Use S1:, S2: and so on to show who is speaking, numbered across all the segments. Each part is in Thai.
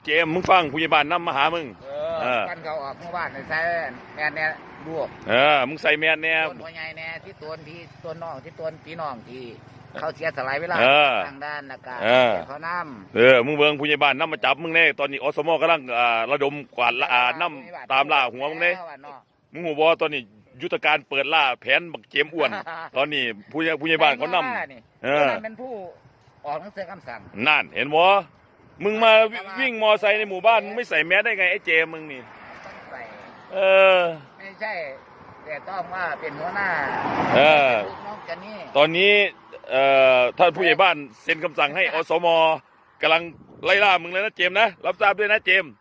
S1: เจมมึงฟังผู้ใหญ่บ้านนำมาหามึง
S2: กันเขาออกเมื่อวานในใส่แม่เนี่ยลูก
S1: มึงใส่แมนแน่
S2: ต้นหัวใหญ่แน่ที่ตัวน้องที่ตัวพี่น้องที่เขาเสียสลายเวลาทางด้านอากาศเขาน้
S1: ำมึงเบิ่งผู้ใหญ่บ้านนำมาจับมึงแน่ตอนนี้อสมกำลังระดมกวาดนำตามล่าหัวมึงแน่มึงหัวบอตอนนี้ยุทธการเปิดล่าแผนบักเจมอ้วนตอนนี้ผู้ใหญ่บ้านเขานำ
S2: เป็นผู้ออกหนังสือคำสั่ง
S1: นั่นเห็นบ่มึงมาวิ่งมอไซค์ในหมู่บ้านมึงไม่ใส่แมสได้ไงไอ้เจมมึงนี่
S2: ต้องใส่ไม่ใช่แต่ต้องว่าเป็นหัวหน้าน้องกันนี่
S1: ตอนนี้ท่านผู้ใหญ่บ้านเซ็นคำสั่งให้อสมกำลังไล่ล่ามึงเลยนะเจมนะรับทราบด้วยนะเจม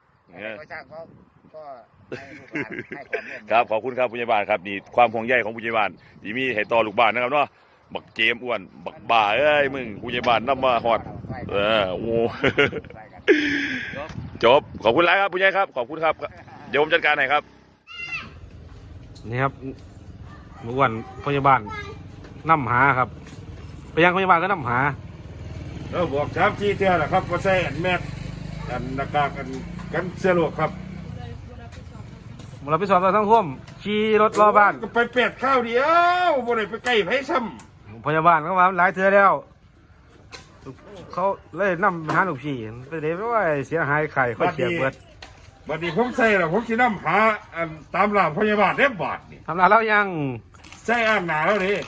S1: ครับขอบคุณครับผู้ใหญ่บ้านครับนี่ความห่วงใยของผู้ใหญ่บ้านที่มีให้ต่อลูกบ้านนะครับเนาะบักเจมอ้วนบักบ่าเอ้ยมึงผู้ใหญ่บ้านนำมาฮอดโอ้จบขอบคุณหลายครับผู้ใหญ่ครับขอบคุณครับเดี๋ยวผมจัดการให้ครับ
S3: นี่ครับอ้วนผู้ใหญ่บ้านนำหาครับไปยังผู้ใหญ่บ้านก็นำหา
S4: บอก3 4เทื่อแหละครับว่าใส่แมสหน้ากากกันเสื้อโลกครับ
S3: เราไปสอบเราทั้งท่วมขี่รถรอบ้าน
S4: ก็ไปเป็ดข้าวเดียวบ่ได้ไปใกล้ไผซ้
S3: ำพยาบาลเขาว่าหลายเทื่อแล้วเขาเลยนำหาลูกพี่ไปเดี๋ยวว่าเสียหายไข่เขาเสียเบิด
S4: บัดนี้ผมใส่แล้วผมสินำหาตามล่าพยาบาลได้บาดนี่
S3: ทำลายแล้วยัง
S4: ใส่อ่างหนาแล้วนี่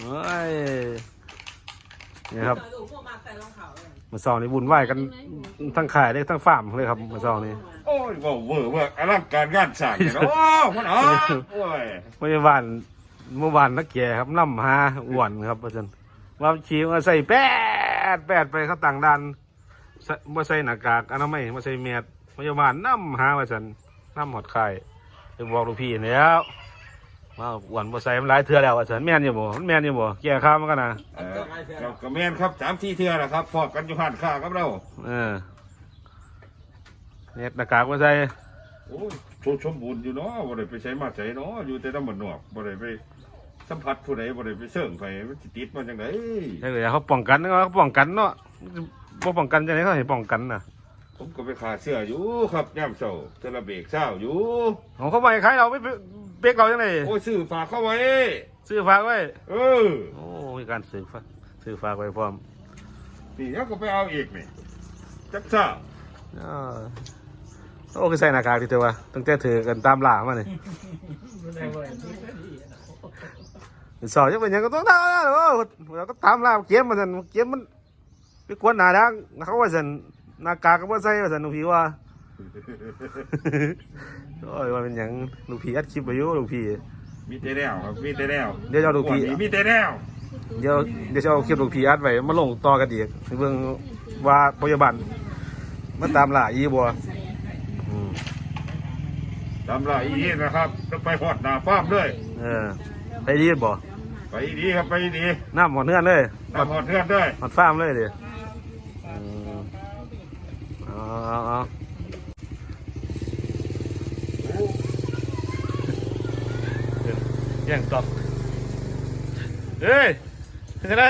S3: นี่ครับมาสองนี่บุญไหวกันทั้งขายได้ทั้งฟาร์มเลยครับมาสองนี่
S4: โอ้ยว่าเวอร์ว่าอลังการงานสร้างเนาะมันโอ้ย
S3: เมื่อวานนักแก่ครับนำหาอ้วนครับอาจารย์ว่าขี่มาใส่แปดไปเขาต่างดันมาใส่หน้ากากอนามัยมาใส่แมสพยาบาลนำหาอาจารย์นำหอดไข่ไปบอกลูกพี่แล้วมาอ้วนมาใส่มันหลายเทื่อแล้วอาจารย์แม่นอยู่บ่มันแม่นอยู่บ่แก่ข้าวมันกันนะ
S4: ก็แม่นครับ3 4เทื่อแหละครับพอกันอยู่หันข้ากับเรา
S3: เนี่ยหน้ากากมาใส่
S4: โอ้ยสมบูรณ์อยู่เนาะบ่ได้ไปใช้มาใช้เนาะอยู่แต่น้ำมันนอกบ่ได้ไปสัมผัสผู้ใดบ่ได้ไปเสิ่งไผมันสิติดมาจังได๋
S3: ใช่เลยเขาป้องกันเนาะเขาป้องกันเนาะบ่ป้องกันจังได๋เขาให้ป้องกันน่ะ
S4: ผมก็ไปขาเสื้ออยู่ครับย่ำเช้าเทระเบรกเช้าอยู่
S3: ของเขาไปขายเราไม่เป๊กเราจังได๋
S4: โอ้ยซื้อฝากเข้าไว้
S3: ซื้อฝากไว้โอ้มีการซื้อฝากไว้พร้อม
S4: นี่แล้วก็ไปเอาอีกนี่จักซ่า
S3: โอ้คือใส่หน้ากากดีเถอะวะตั้งแต่ถือกันตามหล่ามาเนี่ยสอนจะเป็นยังก็ต้องทำนะเราก็ตามล่าเกมมันเกมมันไปกวนหนาดังเขาว่าสันหน้ากากก็ว่าใส่ว่าสันลูกพี่ว่าโอ้ยว่าเป็นยังลูกพี่อัดคลิปไปอยู่ลูกพี่
S4: มีแต่แนวครับมีแต่แนว
S3: เดี๋ยวจะลูกพี่
S4: มีแต่แนว
S3: เดี๋ยวจะเอาคลิปลูกพี่อัดไว้มาลงต่อกันอีกเบิ่งว่าพยาบาลมันตามล่าอีบัว
S4: ตามล่าอีนี่นะครับต้องไปหอดหน้าฟาร์มด้วย
S3: ไปดีบ่
S4: ไปดีครับไปดี
S3: น้ำหอดเนื้อเลย
S4: น้ำหอดเนื้อด้วย
S3: หอดฟาร์มเลยดิยังตอบเฮ้ยจะได้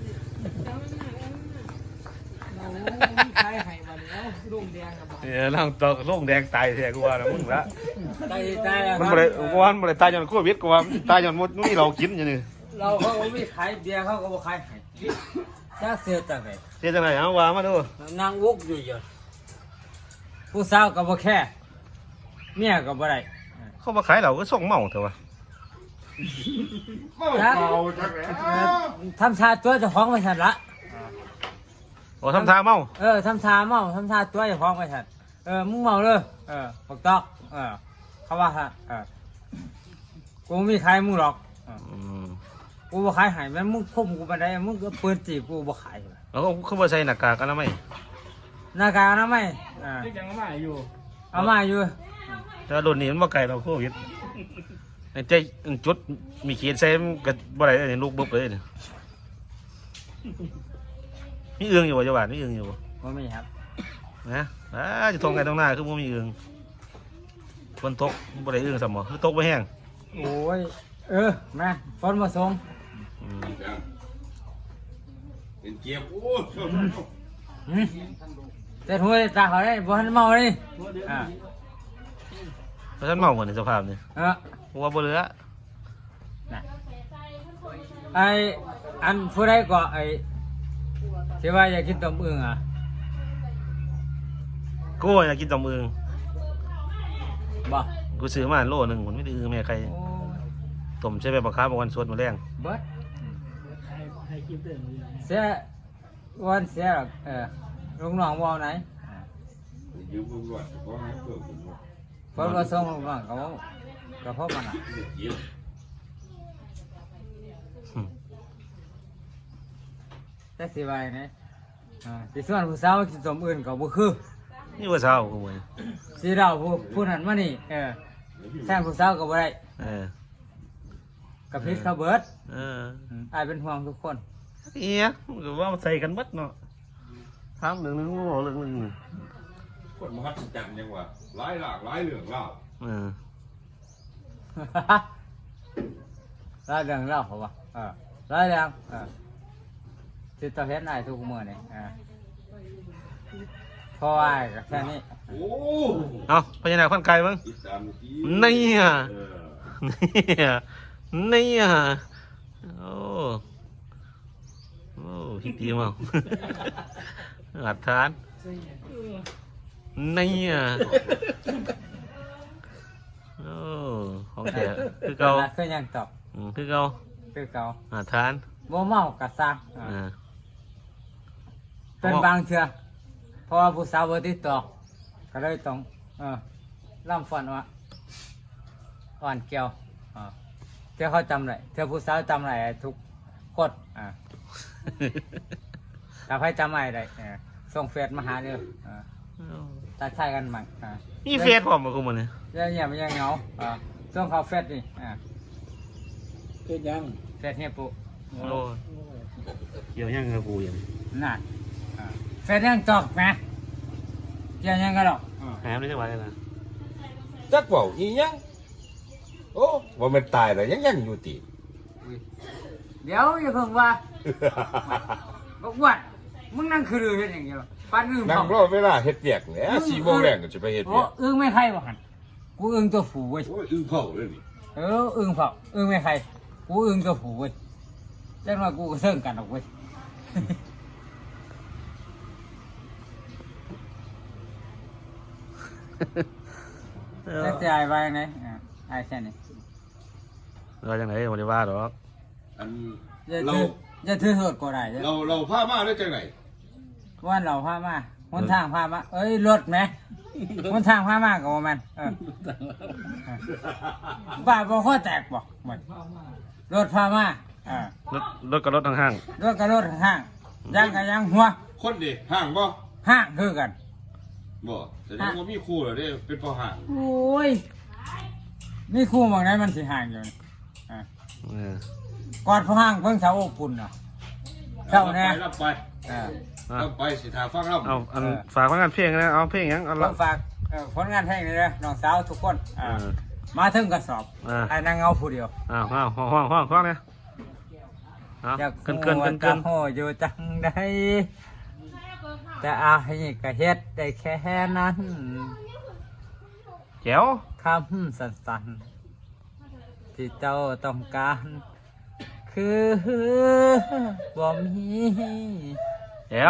S3: นั่งตอกโล่งแดงตายแท้กูว่านะมึงละมันบ่ได้ตายจนโควิดกูว่าตายจนหมดนี่เรากินอย่างนี้
S2: เราเขาไม่ขายเบียร์เขาก็บ่ขายจ้าเสียจังไง
S3: เสียจังไงเอาว่ามาดู
S2: นางวุกอยู่เยอะผู้สาวก็บ่แค่เมียก็บ่ได้
S3: เขามาขายเราก็ส่งเมาเถอะวะ
S4: เมาจังแล้ว
S2: ทำชาตัวจะห้องไปฉันละ
S3: โอ้ทำทาเมา
S2: ทำชาเมาทำชาตัวจะห้องไปฉันมึงเมาเลยปกตอกเขาว่าฮะกูไม่ขายมึงหรอกกูบ่ขายหายแม่มึงคบกูมาได้มึงก็เปิดจีบกูบ่ขาย
S3: แล้วเขาบ่ใส่หน้ากากอนามัย
S2: หน้ากากอนามัย
S3: ยังเอามาอยู่
S2: แต่
S3: โดนนี่มันบ่ไกลเราโควิดใจจุดมีเขียนใส่กับบ่ได้เนี่ยลูกบึบเลยเนี่ยมีเอื้องอยู่บ่จังหวัดมีเอื้องอยู่
S2: บ่มีครับ
S3: นะจะทงไงตรงหน้าคือบ่มีเอื้องฝนตกบ่ได้เอื้องซ้ำบ่คือตกบ่แห้ง
S2: โอ้ยมาฝนมาส่ง
S4: เป็นเกียบโอ้
S2: แต่หัวตาเขาได้บ่ทันเมาเลยอ่า
S3: เพราะฉันเมาหมดในสภาพนี่ หัวบ่เหลือ
S2: น่ะไออันผู้ใดก็ไอที่ว่าอยากกินต้มอึ่งอ่ะ
S3: กูอยากกินต้มอึ่ง
S2: บ่
S3: กูซื้อมาโลนึงมันไม่ได้อึ่งแม่ใคร
S2: โอ้ย
S3: ต้มใช้แบบบักคาบางวันสดมาแรง
S2: เบิดเสียวันเสียหรอกลุงน้องว่าไหน
S4: ยืมมึงด้วยเพราะให้เพิ่มคุณว่า
S2: เพิ่นว่าส่งลุงน้องก็เพราะมันอ่ะ
S4: ยืม
S2: แต่สิว่าไงสิส่วนผู้สาวกินต้มอึ่งก็บ่คือ
S3: นี่ว่าเช้ากูเว้ย
S2: สิเราผู้นั้นมานี่แทนผู้สาวก็บ่ได้
S3: เออ
S2: กับพิษเขาเบิด
S3: เออ
S2: อายเป็นห่วงทุกคน
S3: เอียหรือว่ามันใส่กันหมดเนาะถามเรื่องนึงบอกเรื่องนึง
S4: คนมหัศจรรย์ยังว่าหลายหลากหลายเรื่องเล่า
S3: เออ
S2: รายเรื่องเล่าเขาว่ารายเรื่องสิต่อเฮ็ดได้ทุกมื้อนี่พออ้ายก็แค่นี้
S4: โอ้
S3: เอาพญานาคพันไก่มั้ง
S4: ติดตามที
S3: นี่อ่ะ
S4: เออ
S3: นี่อ่ะนี่อ่ะโอ้โอ้ฮิตดีมากอัดทานนี่อ่ะโอ้ของแท้คือเก่า
S2: คือหยังตอบ
S3: คือเก่า
S2: คือเก่า
S3: อัดทาน
S2: บ่เมาก็สร้าง เป็นบางเทื่อเพราะว่าผู้สาวบ่ติดต่อก็เลยต้องล่ำฟันว่าอ่อนเกี่ยวเทื่อเขาจำได้เทื่อผู้สาวจำได้ทุกคนถ้าใครจำไม่ได้ส่งเฟซมาหาเด้อตัดใช้กันมั่ง
S3: นี่เฟซผมมาคุมันเนี่ย
S2: อย่ามันยังเหงาส่งเขาเฟซนี่
S5: เฮ็ดยัง
S2: เฟซเฮียปุ๊
S3: โอ้เกี่ยวยังกับกูยัง
S2: นั่นเฟซยังตอกแหมเกี่ยวยังกันหรอก
S3: หายไม่ได้จังหวะเลยนะ
S4: จักเว่าอีหยังโอ้ว่ามันตายแล้วยังอยู่ติ
S2: เดี๋ยวอย่าเพิ่งว่าบอกว่ามึงนั่งคือเรือเฮ็ดอย่างเดียวปั้นอึ้ง
S4: นั่ง
S2: เผาร
S4: อเวลาเฮ็ดเวียกแหละ4 โมงแรงก็จะไปเฮ็ด
S2: โอ้
S4: เวียก
S2: อึ้งไม่ใครบ่หันกูอึ้งตัวผูเว้ย
S4: โอ้ยอึ้งเผาเลยนี่
S2: อึ้งเผาอึ้งไม่ใครกูอึ้งตัวผูเว้ยจังว่ากูก็เซิงกันออกเว้ยจะจ่ายไปไหนไอ้แค่นี้
S3: เราจังไหนวันนี้ว่าหรอก
S4: อัน
S2: จะถือโทษก็ได้
S4: เราพามาได้จังไหน
S2: ว่าเราพามาหนทางพามาเอ้ยรถไหมหนทางพามาก็บ่แม่นบ้าบ่ข้อแตกบ่หมดรถพามาร
S3: ถกับรถห้าง
S2: รถกับรถห้างยางกับยางหัว
S4: คนดิห่างบ่
S2: ห้างคือกัน
S4: บ่แสดงว่ามีครูเหรอเด้เป็นพ่อห่าง
S2: โอ้ยนี่คู่บางไหนมันสิห่างอยู่นี่ กอดพอห้างเพิ่งเสาอบอุ่นเนาะเจ้าแน่
S4: รับไป รับไปสิทาฟังรับ
S3: เอาอันฝากผลงานเพลงนะเอาเพลงยังเอา
S2: ต้
S3: ละ
S2: องฝากผลงานเพลงนี้นะน้องสาวทุกคนมาถึงกระสอบไอ้นางเงาผู้เดียว
S3: ห้องเนี่ยเอา
S2: อยาก
S3: เกิน
S2: จะโหอยู่จังใดแต่อาให้ก็เฮ็ดได้แค่นั้น
S3: แจ๋ว
S2: คำสั้นๆที่เจ้าต้องการ คือบ่มี
S3: แจ๋ว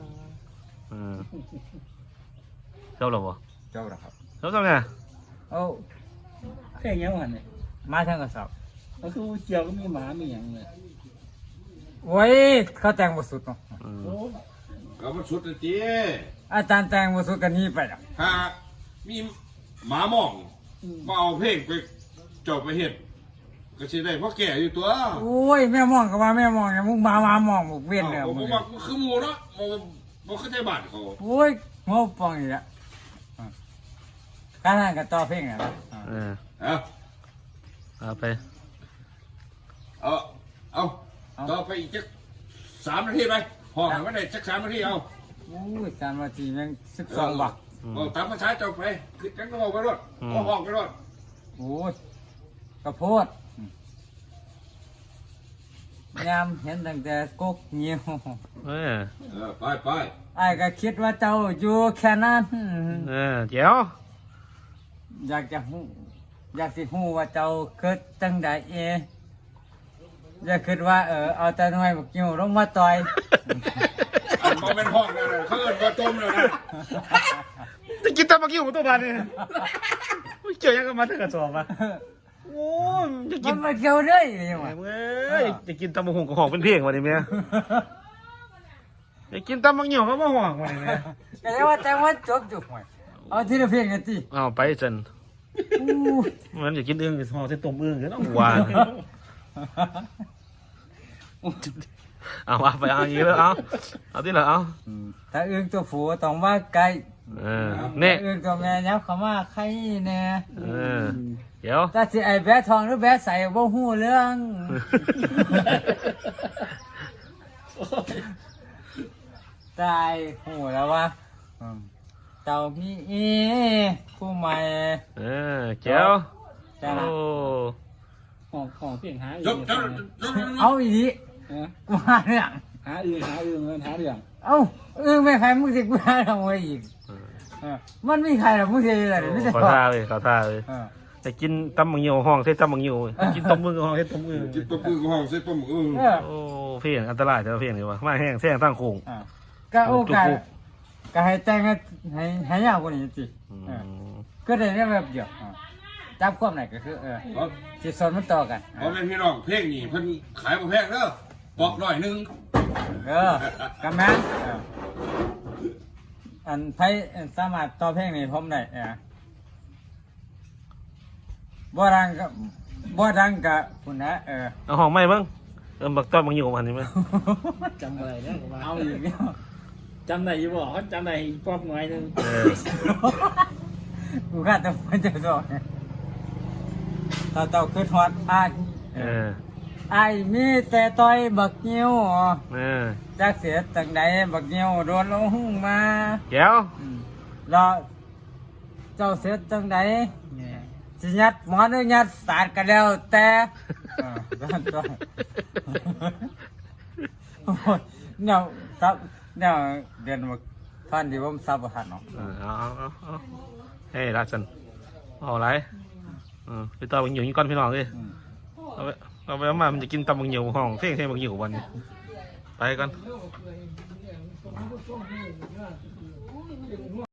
S3: จบแล้วบ่
S2: เจ้าละครับ
S3: จบแล้วเนี่ย
S2: โอ้
S5: เพลงยังวันเนี่ย
S2: มาถึงกระสอบ
S5: ก็คือเจียวก็มีหมามีหยังเลย
S2: โอ้ยเขาแต่งบทสุดเนาะ
S5: โอ้
S4: ก็มันสุดเลยจี
S2: อาจารย์แต่งบทสุดกันนี้ไปแล้ว
S4: ถ้ามีหมาหมองมาเอาเพลงไปจบไปเฮ็ดก็สิได้พ่อแก่อยู่ตัว
S2: โอ้ยแม่มองก็ว่าแม่มองเนี่ยมึงมามองมึงเวียนเลย
S4: ผม
S2: มึง
S4: ว่าคือหมู่เนาะบ่เข้าใจบ้านเขา
S2: โอ้ยงบปองอีกแล้วการงานกับต่อเพลงอ่ะนะ
S4: เอา
S3: เอาไป
S4: เอาต่อไปอีกจัก3 นาทีไปพอให้มันได้จัก3 นาทีเอา
S2: โอ้ย3 นาทีแม่ง12 บาท
S4: เอาตามภาษาเจ้าไปคือกันก็เอาไปรถก็ห้องไปรถ
S2: โอ้ยกระโพดยามเห็นตั้งแต่กกเงียว
S4: ไปไป
S2: ไอ้ายก็คิดว่าเจ้าอยู่แค่นั้น
S3: เจ๋ว
S2: อยากจะฮู้อยากสิฮู้ว่าเจ้าเกิดจังใดอย่าคิดว่าเอาแต่หน่วยบักยิ้วลงมาต่อย
S4: อันบ่เป็นห้องนั่นน่ะเขาเอิ้นว่าต้มแล้วนะ
S3: จะกินตำบักยิ้วตัวบานนี่เจอยังก็มาถึงกระสอบมาโอ้ยจะกิ
S2: มัน นมาเกี่ยวเลยยังไง
S3: เอ้ยจะกินตำบักหุ่งกับของเป็นเพลงวันนี้เมียจะกินตำบักยิ้วก็มาห่วงวันนี้เมีย
S2: ก็เลยว่าแต่ว่าจบจุกหวยเอาทีละเพลงกันติ
S3: เอาไปจน
S2: อู้
S3: มันจะกินอึ่งห่อเส้นต้มอึ่งก็ต้องหวาน เอาไปเอาอย่างนี้แล้วเอาที่เหรอเอา
S2: ถ้าอึ้งตัวผัวต้องว่าไกล
S3: เนี่ย
S2: อึ้งตัวแม่ยับเขามาใครแน่
S3: เดี๋ยว
S2: ถ้าสิไอ้แบะทองหรือแบะใส่บ่ฮู้เรื่อง ตายฮู้แล้วว่าเต่ามีผู้ใหม่
S3: เจ้า
S2: แต่ละ
S5: ของเพียงหา
S4: จบจบ
S2: เอาอีดีมาเรื่อง
S5: หาอื่นหาเรื่อง
S2: เอ้าไม่ใครมึงสิกูหาทำไมอีกมันไม่ใครหรอกมึงสิอะไรไม่ใช่
S3: ขอท่าเลยขอท่าเลยแต่กินตำบักยิ้วห้องใช้ตำบักยิ้วกินต้มอึ่งห้องใช้ต้มอึ่ง
S4: กินต้มอึ่งห้องใส่ต้มอึ่ง
S3: โอ้เพี้ยนอันตรายแต่ว่าเพี้ยนดีว่ามาแห้งแท่งตั้งโค้ง
S2: ก็โอกาสก็ให้แต่งให้ยาวกว่านี้สิก็ได้แบบเดียวจับความไหนก็คือสิสนมันต่อกัน
S4: เพราะเป็นพี่น้องเพลงนี่เพิ่นขายบ่แพงเด้อบอกหน่อยนึง
S2: กันแม่อันไพ่สามารถต่อเพลงนี้ผมได้บ่ดังกับคุณนะ
S3: เอาห้องไม่บ้างบักต้อนบักยิ้วมันนี่มั้ย
S5: จำอะไรได้ว่า
S2: เอาอีกแล้ว
S5: จำได้อยู่บ่เขาจำได้ป๊อบหน่อยนึง
S2: กูคาดแต่มันจะสอนเต่าคือฮอดไอ้มีแต่ต่อยบักนิ้วจักเสียตั้งใดบักนิ้วโดนลงหุ้งมา
S3: เดี๋ยว
S2: รอเจ้าเสียตั้งใดสิยัดหมอนหรือยัดสาดกันแล้วแต่เนี่ยซับเนี่ยเดือนมาท่านที่ผมซับประทันเนาะ
S3: เอาเฮ้ยรักฉันเอาไรพี่ต่อบักยิ้วนี่ก้อนพี่น้องเลยเอาไปมามันจะกินตำบักยิ้วห้องเท่งบักยิ้ววันนี้ไปกัน